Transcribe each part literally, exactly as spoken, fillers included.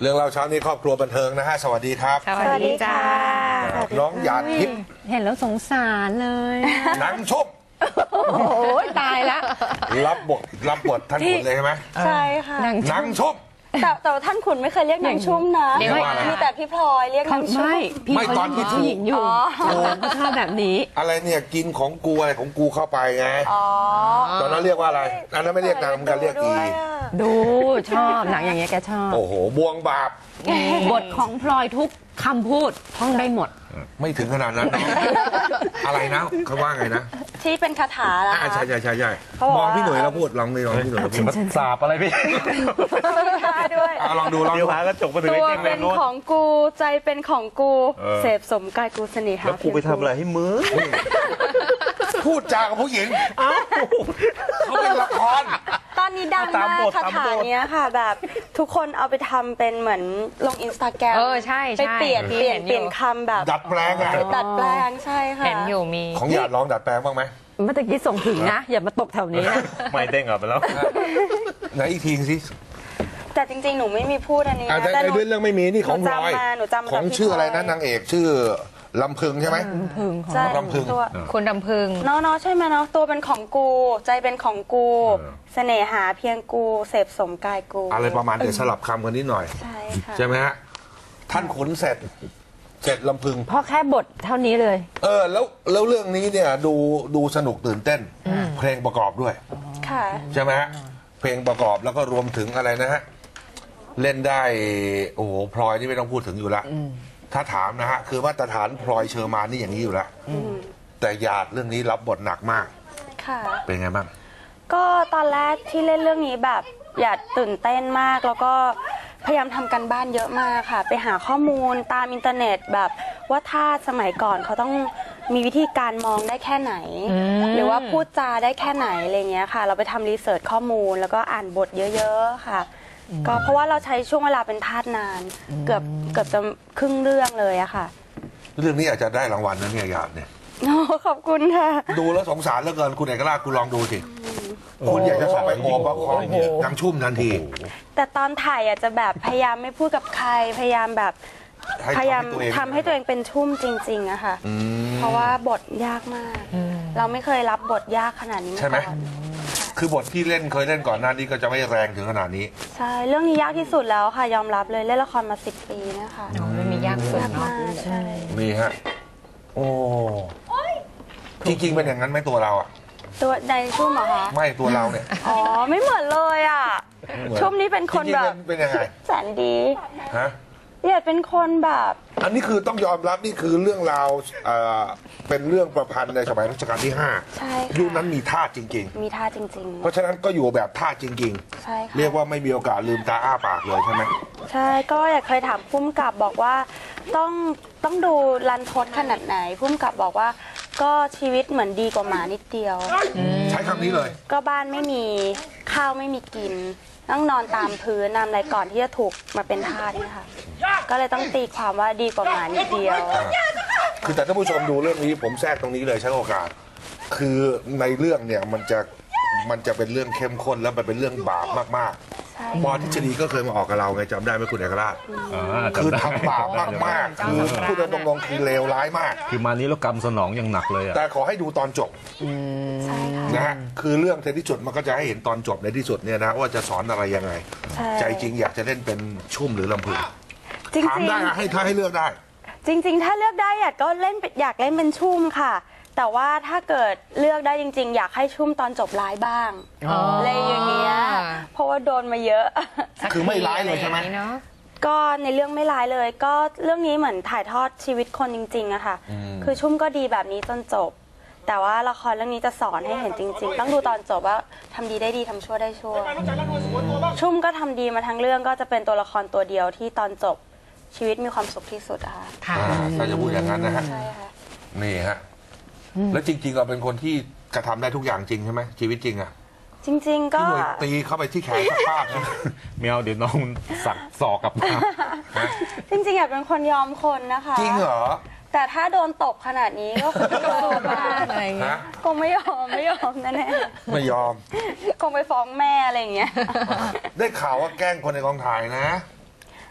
เรื่องเราเช้านี้ครอบครัวบันเทิงนะฮะสวัสดีครับสวัสดีจ้าน้องหยาดทิพย์เห็นแล้วสงสารเลยหนังชุบโอ้ยตายละรับบทรับบทท่านขุนเลยใช่ไหมใช่ค่ะหนังชุบแต่แต่ท่านขุนไม่เคยเรียกนางชุ่มนะมีแต่พี่พลอยเรียกนางชุ่มไม่พี่เขาเป็นผู้หญิงอยู่เขาชอบแบบนี้อะไรเนี่ยกินของกูอะไรของกูเข้าไปไงตอนนั้นเรียกว่าอะไรอันนั้นไม่เรียกนางมันก็เรียกอีดูชอบหนังอย่างเงี้ยแกชอบโอ้โหบวงบาปบทของพลอยทุกคำพูดท่องได้หมดไม่ถึงขนาดนั้นอะไรนะเขาว่าไงนะที่เป็นคาถาล่ะใช่ใช่ใช่ใช่มองพี่หนุ่ยแล้วพูดลองเลยลองพี่หนุ่ยแล้วพูดสาบอะไรพี่ด้วยลองดูลองดูกระจกมาถึงตัวเป็นของกูใจเป็นของกูเสพสมกายกูเสน่หาแล้วกูไปทำอะไรให้มึงพูดจากับผู้หญิงเขาเป็นละครตอนนี้ดังมากคาถาเนี้ยค่ะแบบทุกคนเอาไปทำเป็นเหมือนลงอินสตาแกรมเออใช่ไปเปลี่ยนเปลี่ยนเปลี่ยนคำแบบดัดแปลงอะดัดแปลงใช่ค่ะเห็นอยู่มีของหยาดลองดัดแปลงบ้างไหมเมื่อกี้ส่งถึงนะอย่ามาตกแถวนี้นะไม่เด้งออกไปแล้วไหนอีกทีสิแต่จริงๆหนูไม่มีพูดอันนี้นะแต่ในเรื่องไม่มีนี่ของพลอยของชื่ออะไรนะนางเอกชื่อลำพึงใช่ไหมลำพึงใช่ลำพึงคุณลำพึงเนาะเนาะใช่ไหมเนาะตัวเป็นของกูใจเป็นของกูเสน่หาเพียงกูเสพสมกายกูอะไรประมาณเดี๋ยวสลับคำกันนิดหน่อยใช่ค่ะใช่ไหมฮะท่านขุนเสร็จเสร็จลำพึงเพราะแค่บทเท่านี้เลยเออแล้วแล้วเรื่องนี้เนี่ยดูดูสนุกตื่นเต้นเพลงประกอบด้วยค่ะใช่ไหมฮะเพลงประกอบแล้วก็รวมถึงอะไรนะฮะเล่นได้โอ้โหพลอยนี่ไม่ต้องพูดถึงอยู่แล้วถ้าถามนะฮะคือมาตรฐานพลอยเชอร์มานนี่อย่างนี้อยู่แล้วแต่หยาดเรื่องนี้รับบทหนักมากค่ะเป็นไงบ้างก็ตอนแรกที่เล่นเรื่องนี้แบบหยาดตื่นเต้นมากแล้วก็พยายามทำกันบ้านเยอะมากค่ะไปหาข้อมูลตามอินเทอร์เน็ตแบบว่าถ้าสมัยก่อนเขาต้องมีวิธีการมองได้แค่ไหนหรือว่าพูดจาได้แค่ไหนอะไรเงี้ยค่ะเราไปทำรีเสิร์ชข้อมูลแล้วก็อ่านบทเยอะๆค่ะก็เพราะว่าเราใช้ช่วงเวลาเป็นทาสนานเกือบเกือบจะครึ่งเรื่องเลยอะค่ะเรื่องนี้อาจจะได้รางวัลนะเนี่ยหยาดเนี่ยขอบคุณค่ะดูแล้วสงสารเหลือเกินคุณเอกราชคุณลองดูสิคุณอยากจะเข้าไปโอบว่าของยังชุ่มทันทีแต่ตอนถ่ายอาจจะแบบพยายามไม่พูดกับใครพยายามแบบพยายามทำให้ตัวเองเป็นชุ่มจริงๆอะค่ะเพราะว่าบทยากมากเราไม่เคยรับบทยากขนาดนี้ใช่ไหมคือบทที่เล่นเคยเล่นก่อนหน้านี้ก็จะไม่แรงถึงขนาดนี้ใช่เรื่องนี้ยากที่สุดแล้วค่ะยอมรับเลยเล่นละครมาสิบปีนะคะไม่มียากสุดเนาะใช่มีฮะโอ้จริงๆเป็นอย่างนั้นไหมตัวเราอะตัวในชุ่มเหรอคะไม่ตัวเราเนี่ยอ๋อไม่เหมือนเลยอะชุ่มนี่เป็นคนแบบเป็นยังไงแสนดีฮะหยาดเป็นคนแบบอันนี้คือต้องยอมรับนี่คือเรื่องราวเป็นเรื่องประพันธ์ในสมัยรัชกาลที่ห้าใช่ค่ะยุคนั้นมีท่าจริงๆมีท่าจริงๆเพราะฉะนั้นก็อยู่แบบท่าจริงๆใช่ค่ะเรียกว่าไม่มีโอกาสลืมตาอ้าปากเลยใช่ไหมใช่ก็อยากเคยถามพุ่มกับบอกว่าต้องต้องดูรันทดขนาดไหนพุ่มกับบอกว่าก็ชีวิตเหมือนดีกว่าหมานิดเดียวใช้คำนี้เลยก็บ้านไม่มีข้าวไม่มีกินต้องนอนตามพื้นนำอะไรก่อนที่จะถูกมาเป็นทาสเนี่ยค่ะก็เลยต้องตีความว่าดีกว่าหมานิดเดียวคือแต่ท่านผู้ชมดูเรื่องนี้ผมแทรกตรงนี้เลยใช้โอกาสคือในเรื่องเนี่ยมันจะมันจะเป็นเรื่องเข้มข้นแล้วมันเป็นเรื่องบาปมากๆปอทฤษฎีก็เคยมาออกกับเราไงจำได้ไหมคุณเอกราชคือทำบาปมากๆคือพูดตรงๆคือเลวร้ายมากคือมานี้แล้วกรรมสนองยังหนักเลยอะแต่ขอให้ดูตอนจบนะฮะคือเรื่องในที่สุดมันก็จะให้เห็นตอนจบในที่สุดเนี่ยนะว่าจะสอนอะไรยังไงใจจริงอยากจะเล่นเป็นชุ่มหรือลำพึงถามได้ให้ถ้าให้เลือกได้จริงๆถ้าเลือกได้อยากก็เล่นอยากเล่นเป็นชุ่มค่ะแต่ว่าถ้าเกิดเลือกได้จริงๆอยากให้ชุ่มตอนจบร้ายบ้างอะไรอย่างเงี้ยเพราะว่าโดนมาเยอะคือไม่ร้ายเลยใช่ไหมก็ในเรื่องไม่ร้ายเลยก็เรื่องนี้เหมือนถ่ายทอดชีวิตคนจริงๆอะค่ะคือชุ่มก็ดีแบบนี้จนจบแต่ว่าละครเรื่องนี้จะสอนให้เห็นจริงๆต้องดูตอนจบว่าทำดีได้ดีทำชั่วได้ชั่วชุ่มก็ทำดีมาทั้งเรื่องก็จะเป็นตัวละครตัวเดียวที่ตอนจบชีวิตมีความสุขที่สุดอะค่ะถ้าจะพูดอย่างนั้นนะฮะนี่ฮะแล้วจริงๆเราเป็นคนที่กระทำได้ทุกอย่างจริงใช่ไหมชีวิตจริงอะจริงๆก็ตีเข้าไปที่แขนสักภาพนะเมียวเดี๋ยวน้องสักศอกกับมาจริงๆอยากเป็นคนยอมคนนะคะจริงเหรอแต่ถ้าโดนตบขนาดนี้ก็คงไม่ยอมอะไรเงี้ยคงไม่ยอมไม่ยอมแน่ๆไม่ยอมคงไปฟ้องแม่อะไรอย่างเงี้ยได้ข่าวว่าแกล้งคนในกองถ่ายนะ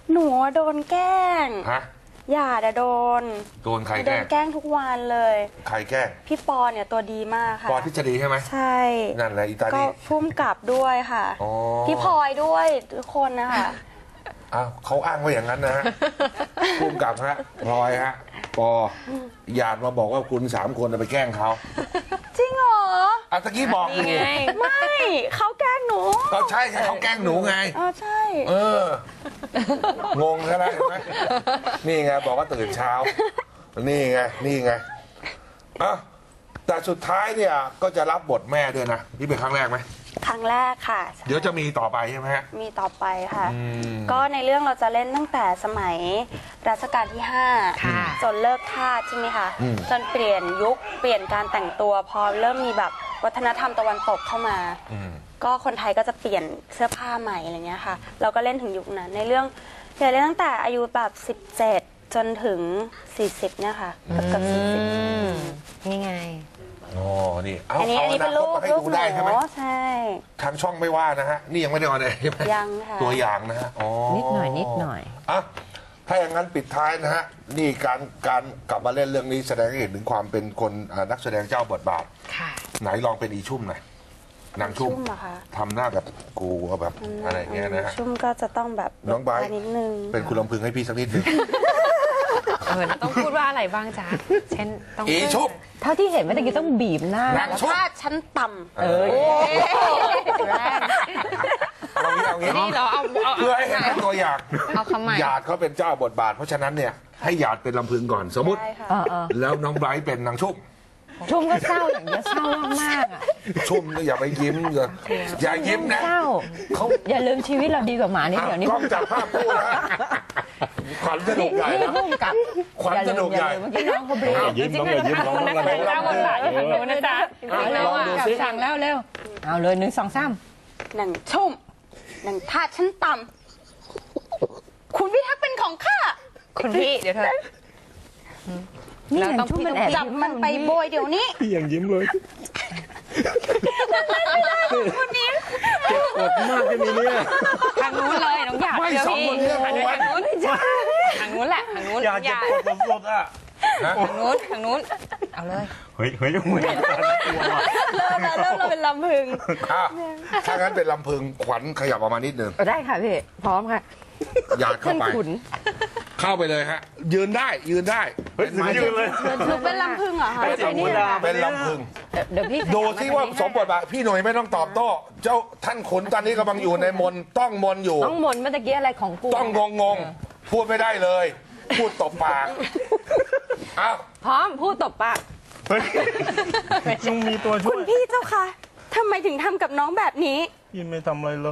หนูโดนแกล้งฮะหยาดอะโดนโดนใครโดแกล้นงแกล้งทุกวันเลยใครแกล้งพี่ปอเนี่ยตัวดีมากค่ะปอทฤษฎีใช่ไหมใช่นั่นแหละอีตาก็นี่พุ่มกลับด้วยค่ะอ๋อพี่พลอยด้วยทุกคนนะคะอ้าวเขาอ้างว่าอย่างนั้นนะฮะภูมิกับฮะพลอยฮะปอหยาดมาบอกว่าคุณสามคนไปแกล้งเขาจริงเหรออ่ะตะกี้บอกอยู่ไม่เขาแกล้งหนูก็ใช่ไงเขาแกล้งหนูไงอ๋อใช่เออ งงใช่ไหมเห็นไหมนี่ไงบอกว่าตื่นเช้า นี่ไง นี่ไงอ่ะแต่สุดท้ายเนี่ยก็จะรับบทแม่ด้วยนะ นี่เป็นครั้งแรกไหมครั้งแรกค่ะเดี๋ยวจะมีต่อไปใช่ไหมฮะมีต่อไปค่ะอืมก็ในเรื่องเราจะเล่นตั้งแต่สมัยรัชกาลที่ห้าค่ะจนเลิกทาสใช่ไหมคะอืมจนเปลี่ยนยุคเปลี่ยนการแต่งตัวพอเริ่มมีแบบวัฒนธรรมตะวันตกเข้ามาอืมก็คนไทยก็จะเปลี่ยนเสื้อผ้าใหม่อะไรเงี้ยค่ะ เราก็เล่นถึงยุคนั้น ในเรื่องเล่นตั้งแต่อายุแบบสิบเจ็ดจนถึงสี่สิบเนี่ยค่ะเกือบเกือบสี่สิบนี่ไงอ๋อ นี่ เอาอันนี้เอาอันนี้อเป็นนารูคตปมาให้รูปดูหได้ใช่ไหมนูใช่ทางช่องไม่ว่านะฮะ นี่ยังไม่ได้ออนเลยใช่ไหมยังค่ะตัวอย่างนะฮะ อ๋อนิดหน่อยนิดหน่อยอ่ะถ้าอย่างนั้นปิดท้ายนะฮะ นี่การการกลับมาเล่นเรื่องนี้แสดงให้เห็นถึงความเป็นคนอ่านักแสดงเจ้าบทบาทค่ะไหนลองเป็นอีชุ่มหน่อยนางชุ่มชุ่มเหรอคะทำหน้าแบบกูแบบอะไรอย่างเงี้ยนะฮะชุ่มก็จะต้องแบบน้องไบร์ทนิดนึงเป็นคุณลำพึงให้พี่สักนิดหนึ่งเออแล้วต้องพูดว่าอะไรบ้างจ๊ะ เช่น ต้องอีชุ่มเท่าที่เห็นเมื่อกี้ต้องบีบหน้านางชุ่มถ้าชั้นต่เออแรงเอางี้เอางี้นี่เราเอาเอาเพื่อให้เห็นเป็นตัวอย่างเอาคำใหม่หยาดเขาเป็นเจ้าบทบาท เพราะฉะนั้นเนี่ยให้หยาดเป็นลำพึงก่อนสมมติำได้ค่ะเออเออแล้วน้องไบรท์เป็นนางชุ่มชุ่มก็เศร้าอย่างเงี้ยเศร้ามากๆอ่ะชุ่มเนี่ยอย่าไปยิ้มอย่าอย่ายิ้มนะเศร้าเขาอย่าลืมชีวิตเราดีกว่าหมานิดเดี๋ยวนี้กล้องจับภาพคู่นะขวัญสนุนี่กใหญ่นี่นะพุ่มกับขวัญสนุกใหญ่อย่าลืมเมื่อกี้น้องเขาเบรกยิ้มน้องอย่ายิ้มน้องนักแสดงเจ้าบทบาทอยู่ทางนู้นนะจ๊ะอ่ะแล้วลองอ่ะดูกับสิสั่งแล้วเร็วเอาเลยหนึ่งสองสามหนังชุ่มหนังท่าชั้นต่ำคุณพิทักษ์เป็นของข้าคุณพี่เดี๋ยวเธอนี่หนังชุ่มมันแอบจับมันไปโบยเดี๋ยวนี้พี่ยังยิ้มเลยเจ็บปวดมากจะมีเนี่ยทางนู้นเลยน้องหยาดไม่เดี๋ยวสองพี่คนเนี้ทางนู้นทางนู้นทางนู้นแหละทางนู้นอยากหจะยาปดวดสดๆอ่ะทางนู้นทางนู้นเอาเลยเฮ้ยเฮ้ยเหมือนกันตัวว่ะเริ่มแล้วเริ่มเราเป็นลำพึงอ่ะถ้างั้นเป็นลำพึงขวัญขยับออกมานิดหนึ่งได้ค่ะพี่พร้อมค่ะหยาดเข้าไปท่านขุนเข้าไปเลยฮะ ยืนได้ยืนได้เฮ้ยถึงยืนเลยหนูเป็นลำพึงเหรอคะเป็นลำพึงเป็นลำพึงเดี๋ยวพี่ขยับดูที่ว่าสมบทบาทพี่หน่อยไม่ต้องตอบโต้ เจ้าท่านขุนตอนนี้กำลังอยู่ในมนต์ต้องมนต์อยู่ต้องมนต์เมื่อตะกี้อะไรของกูต้องงงงๆพูดไม่ได้เลย พูดตบปากอ้าวพร้อมพูดตบปากเฮ้ยต้องมีตัวช่คุวยณพี่เจ้าค่ะทำไมถึงทำกับน้องแบบนี้ยินไม่ทำอะไรเลย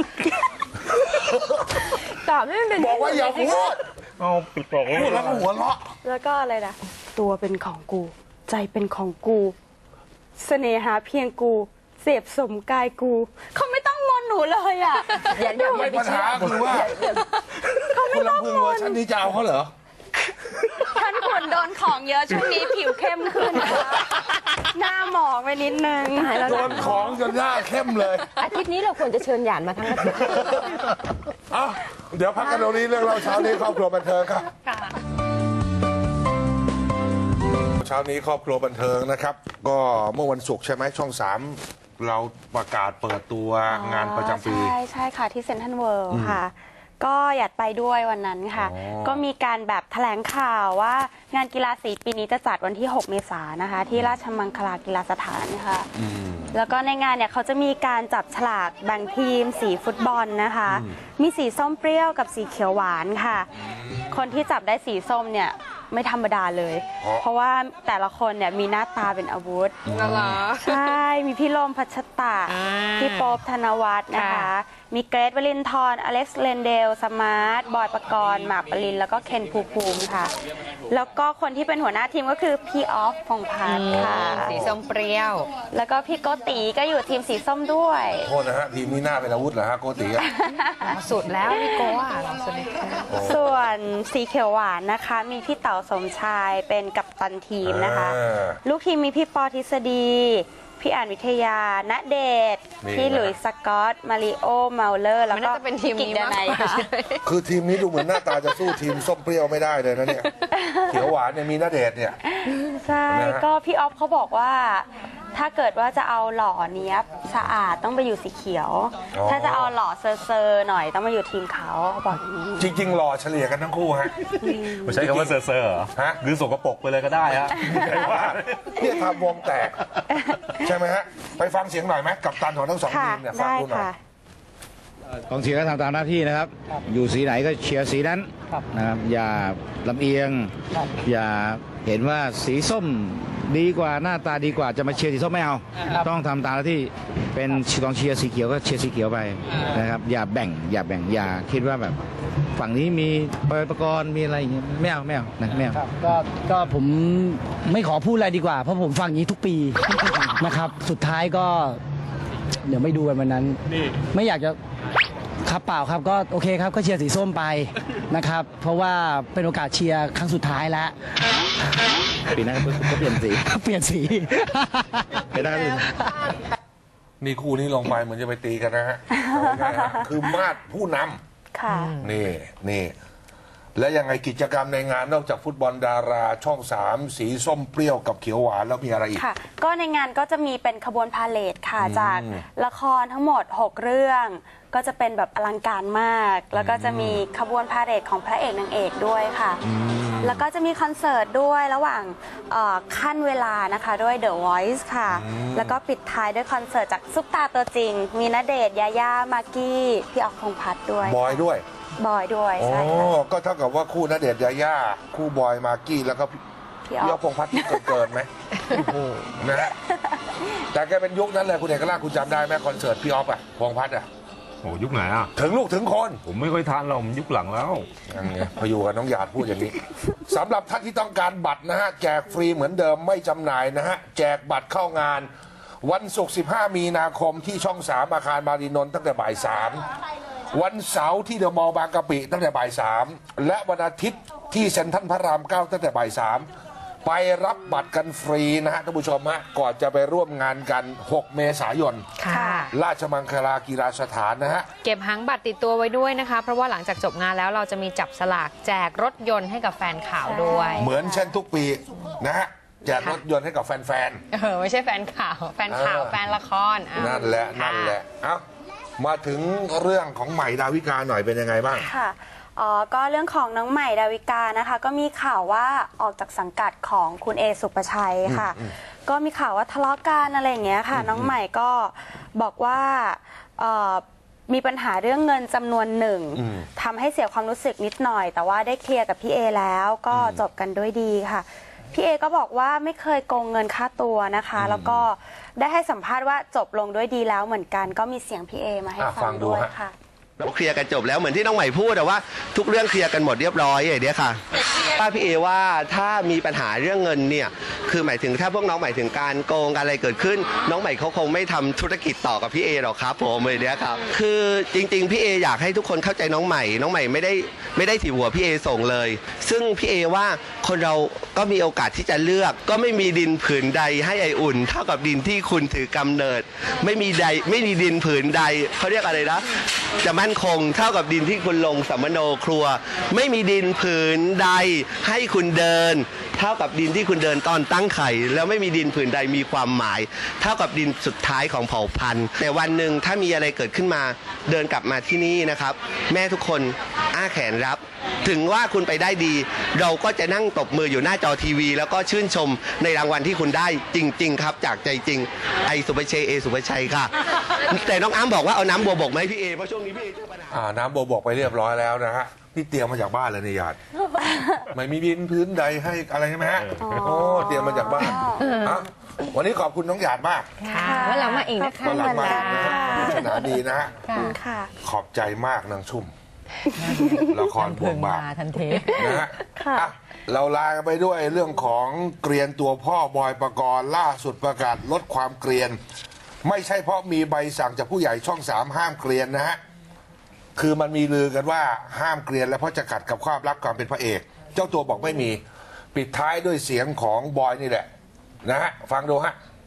ตอบให้มันเป็นบอกว่าอย่าพูดเอาปิดปากพูดแล้วก็หัวเราะแล้วก็อะไรนะตัวเป็นของกู ใจเป็นของกู เสน่หาเพียงกู เสพสมกายกู เขาไม่ต้องมนต์หนูเลยอ่ะอย่าอย่าไม่ไปปัญเชื่อหาคือว่าคุณลำพึงเวอร์ชันนี้จะเอาเขาเหรอท่านควรโดนของเยอะช่วงนี้ผิวเข้มขึ้นนะคะหน้าหมองไปนิดนึงตายแล้วโดนของจนหน้าเข้มเลยอาทิตย์นี้เราควรจะเชิญหยานมาทั้งอาทิตย์เอ้าเดี๋ยวพักกันตรงนี้เรื่องเราเช้านี้ครอบครัวบันเทิงครับเช้านี้ครอบครัวบันเทิงนะครับ ก็เมื่อวันศุกร์ใช่ไหมช่องสามเราประกาศเปิดตัวงานประจำปีใช่ใช่ค่ะที่เซ็นทรัลเวิลด์ค่ะ ก็อยากไปด้วยวันนั้นค่ะอ๋อก็มีการแบบแถลงข่าวว่างานกีฬาสีปีนี้จะจัดวันที่ หก เมษายนนะคะ ที่ราชมังคลากีฬาสถานค่ะอืมแล้วก็ในงานเนี่ยเขาจะมีการจับฉลากแบ่งทีมสีฟุตบอลนะคะ มีสีส้มเปรี้ยวกับสีเขียวหวานค่ะ คนที่จับได้สีส้มเนี่ยไม่ธรรมดาเลยเพราะเพราะว่าแต่ละคนเนี่ยมีหน้าตาเป็นอาวุธเหรอใช่ มีพี่โลมพัชตะอ่าพี่โป๊ปธนวัฒน์นะคะค่ะมีเกรทวลินทร์อเล็กซ์เลนเดล สมาร์ท บอยปกรณ์ หมากปริน แล้วก็เคนภูมิภูมิค่ะ แล้วก็คนที่เป็นหัวหน้าทีมก็คือพี่ออฟพงษ์พัฒน์ค่ะสีส้มเปรี้ยวแล้วก็พี่โกติก็อยู่ทีมสีส้มด้วยโทษนะฮะทีมนี้หน้าเป็นอาวุธเหรอฮะโกติอะสุดแล้วพี่โก้อะสุดเลยค่ะส่วนสีเขียวหวานนะคะ มีพี่เต๋าสมชายเป็นกัปตันทีมนะคะอ่าลูกทีมมีพี่ปอทฤษฎีพี่อ่านวิทยาณเดชน์นี่พี่หลุยส์สกอตมาริโอเมาเลอร์แล้วมันก็น่าจะเป็นทีมกินี้ดมากนัยกว่าค่ะคือทีมนี้ดูเหมือนหน้าตาจะสู้ทีมส้มเปรี้ยวไม่ได้เลยนะเนี่ย เขียวหวานเนี่ยมีณเดชน์เนี่ยใช่นะฮะก็พี่ออฟเขาบอกว่า ถ้าเกิดว่าจะเอาหล่อเนี้ยบสะอาดต้องไปอยู่สีเขียว ถ้าจะเอาหล่อเซอร์เซอร์หน่อยต้องมาอยู่ทีมเขาเขาบอกอย่างนี้จริงๆหล่อเฉลี่ยกันทั้งคู่ฮะไม่ใช่คำว่าเซอร์เซอร์เหรอฮะหรือสกปรกไปเลยก็ได้ฮะใช่ว่าเนี่ยทำวงแตก ใช่ไหมฮะ ไปฟังเสียงหน่อยไหมกับตันของทั้งสองค่ะทีมเนี่ยฟังได้ดูหน่อยค่ะกองเชียร์ก็ทำตามหน้าที่นะครับ อยู่สีไหนก็เชียร์สีนั้นนะครับ อย่าลำเอียง อย่าเห็นว่าสีส้มดีกว่าหน้าตาดีกว่าจะมาเชียร์สีส้มไม่เอา ต้องทำตามหน้าที่เป็นกองเชียร์สีเขียวก็เชียร์สีเขียวไปนะครับ อย่าแบ่ง อย่าแบ่ง อย่าคิดว่าแบบฝั่งนี้มีประกรณ์มีอะไรอย่างเงี้ยไม่เอาไม่เอานะไม่เอาครับก็ก็ผมไม่ขอพูดอะไรดีกว่า เพราะผมฟังอย่างนี้ทุกปี นะครับ สุดท้ายก็ เดี๋ยวไม่ดูกันวันนั้น ไม่อยากจะครับเปล่าครับก็โอเคครับก็เชียร์สีส้มไปนะครับ เพราะว่าเป็นโอกาสเชียร์ครั้งสุดท้ายแล้วปีหน้าก็เปลี่ยนสีเปลี่ยนสีปีหน้าก็เปลี่ยนนี่คู่นี้ลงไปเหมือนจะไปตีกันนะฮะเอาง่ายๆฮะคือมาดผู้นำค่ะนี่นี่และยังไงกิจกรรมในงานนอกจากฟุตบอลดาราช่องสามสีส้มเปรี้ยวกับเขียวหวานแล้วมีอะไรอีกค่ะ ก็ในงานก็จะมีเป็นขบวนพาเหรดค่ะ จากละครทั้งหมด หก เรื่อง ก็จะเป็นแบบอลังการมาก แล้วก็จะมีขบวนพาเหรดของพระเอกนางเอกด้วยค่ะ แล้วก็จะมีคอนเสิร์ตด้วยระหว่างเอ่อขั้นเวลานะคะด้วย The Voice ค่ะ แล้วก็ปิดท้ายด้วยคอนเสิร์ตจากซุปตาตัวจริง มีณเดชน์ยาย่ามากกี้พี่ออกพงษ์พัฒน์ด้วยบอยด้วยบอยด้วยโอ้ใช่ค่ะก็เท่ากับว่าคู่ณเดชน์ยาย่าคู่บอยมากกี้แล้วก็พี่พี่อพี่ออ๊อฟฟพงษ์พัฒน์ที่เกินๆไหมนะฮะแต่แกเป็นยุคนั้นเลยคุณเอกราชคุณจำได้ไหมคอนเสิร์ตพี่อ๊อฟอะพงษ์พัฒน์อะโอ้ยุคไหนอ่ะถึงลูกถึงคนผมไม่ค่อยทานเราผมยุคหลังแล้วยังไงพออยู่กับน้องหยาดพูดอย่างนี้ สำหรับท่านที่ต้องการบัตรนะฮะแจกฟรีเหมือนเดิมไม่จำหน่ายนะฮะแจกบัตรเข้างาน วันศุกร์สิบห้ามีนาคมที่ช่องสามอาคารมารีนนท์ตั้งแต่บ่ายสามวันเสาร์ที่เดอะมอลล์บางกะปิตั้งแต่บ่ายสามและวันอาทิตย์ที่เซ็นทรัลพระรามเก้าตั้งแต่บ่ายสามไปรับบัตรกันฟรีนะฮะท่านผู้ชมฮะก่อนจะไปร่วมงานกันหกเมษายนค่ะราชมังคลากีฬาสถานนะฮะเก็บหางบัตรติดตัวไว้ด้วยนะคะ เพราะว่าหลังจากจบงานแล้วเราจะมีจับสลากแจกรถยนต์ให้กับแฟนข่าวด้วยเหมือนเช่นทุกปีนะฮะแจกรถยนต์ให้กับแฟนเออไม่ใช่แฟนข่าว แฟนข่าวเออแฟนละครอ่ๆ นั่นแหละนั่นแหละ เอ้ามาถึงเรื่องของใหม่ดาวิกาหน่อยเป็นยังไงบ้างค่ะอ๋อก็เรื่องของน้องใหม่ดาวิกานะคะ ก็มีข่าวว่าออกจากสังกัดของคุณเอสุปชัยค่ะ ก็มีข่าวว่าทะเลาะกันอะไรอย่างเงี้ยค่ะ น้องใหม่ก็บอกว่าเอ่อมีปัญหาเรื่องเงินจำนวนหนึ่งอืมทำให้เสียความรู้สึกนิดหน่อย แต่ว่าได้เคลียร์กับพี่เอแล้วก็จบกันด้วยดีค่ะ พี่เอก็บอกว่าไม่เคยโกงเงินค่าตัวนะคะ แล้วก็ได้ให้สัมภาษณ์ว่าจบลงด้วยดีแล้วเหมือนกัน ก็มีเสียงพี่เอมาให้อ่ะฟัฟังงดูด้วยฮะค่ะเราเคลียร์กันจบแล้วเหมือนที่น้องใหม่พูดแต่ว่าทุกเรื่องเคลียร์กันหมดเรียบร้อยอย่างเนี้ยค่ะป้าพี่เอว่าถ้ามีปัญหาเรื่องเงินเนี่ยคือหมายถึงถ้าพวกน้องหมายถึงการโกงอะไรเกิดขึ้น น้องใหม่เขาคงไม่ทำธุรกิจต่อกับพี่เอหรอกครับผมเลยเนี้ยครับคือจริงๆพี่เออยากให้ทุกคนเข้าใจน้องใหม่น้องใหม่ไม่ได้ไม่ได้ถีบหัวพี่เอส่งเลย ซึ่งพี่เอว่าคนเราก็มีโอกาสที่จะเลือก ก็ไม่มีดินผืนใดให้ไออุ่น เท่ากับดินที่คุณถือกำเนิด ไม่มีใดไม่มีดินผืนใดเขาเรียกอะไรนะจะมั่นคงเท่ากับดินที่คุณลงสัมมโนครัว ไม่มีดินผืนใดให้คุณเดิน เท่ากับดินที่คุณเดินตอนตั้งไข่แล้วไม่มีดินผืนใดมีความหมาย เท่ากับดินสุดท้ายของเผ่าพันธุ์แต่วันหนึ่งถ้ามีอะไรเกิดขึ้นมาเดินกลับมาที่นี่นะครับ แม่ทุกคนอ้าแขนรับ ถึงว่าคุณไปได้ดี เราก็จะนั่งตบมืออยู่หน้าจอทีวี แล้วก็ชื่นชมในรางวัลที่คุณได้จริง ๆ ครับ จากใจจริงไอสุภชัยเอสุภชัยค่ะ แต่น้องอ้ำบอกว่าเอาน้ำบัวบกไหมาให้พี่เอเพราะช่วงนี้พี่เอเจอปัญหาอ่าน้ำโบบอกไปเรียบร้อยแล้วนะฮะนี่เตรียมมาจากบ้านเลยนี่ญาติ ไม่มีดินพื้นใดให้อะไรใช่ไหมฮะโอ้เตรียมมาจากบ้านอ่ะวันนี้ขอบคุณน้องหยาดมากค่ะวันหลังมาอีกนะคะวันหลังมาอีกนะฮะปริศนาดีนะฮะขอบคุณค่ะขอบใจมากนางชุ่มละครพวงบาปทันทีนะฮะค่ะอ่ะเราลากันไปด้วยเรื่องของเกรียนตัวพ่อบอยปกรณ์ล่าสุดประกาศลดความเกรียน ไม่ใช่เพราะมีใบสั่งจากผู้ใหญ่ช่องสามห้ามเกรียนนะฮะคือมันมีลือกันว่าห้ามเกรียนแล้วเพราะจะขัดกับความรักความเป็นพระเอก เจ้าตัวบอกไม่มีปิดท้ายด้วยเสียงของบอยนี่แหละนะฮะฟังดูฮะ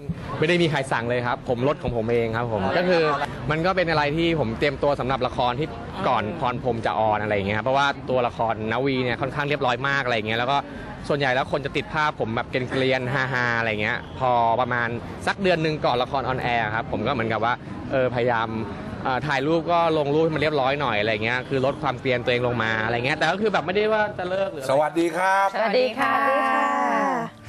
ไม่ได้มีใครสั่งเลยครับ ผมลดของผมเองครับผมก็คือมันก็เป็นอะไรที่ผมเตรียมตัวสำหรับละครที่ก่อนพรพรหมจะออนอะไรอย่างเงี้ยครับเพราะว่าตัวละครนาวีเนี่ยค่อนข้างเรียบร้อยมากอะไรอย่างเงี้ยแล้วก็ส่วนใหญ่แล้วคนจะติดภาพผมแบบเกลียนๆฮาๆอะไรเงี้ยพอประมาณสักเดือนหนึ่งก่อนละครออนแอร์ครับผมก็เหมือนกับว่าเออพยายามเอ่อถ่ายรูปก็ลงรูปให้มันเรียบร้อยหน่อยอะไรเงี้ยคือลดความเกลียนตัวเองลงมาอะไรเงี้ยแต่ก็คือแบบไม่ได้ว่าจะเลิกหรือสวัสดีครับสวัสดีค่ะสวัสดีค่ะ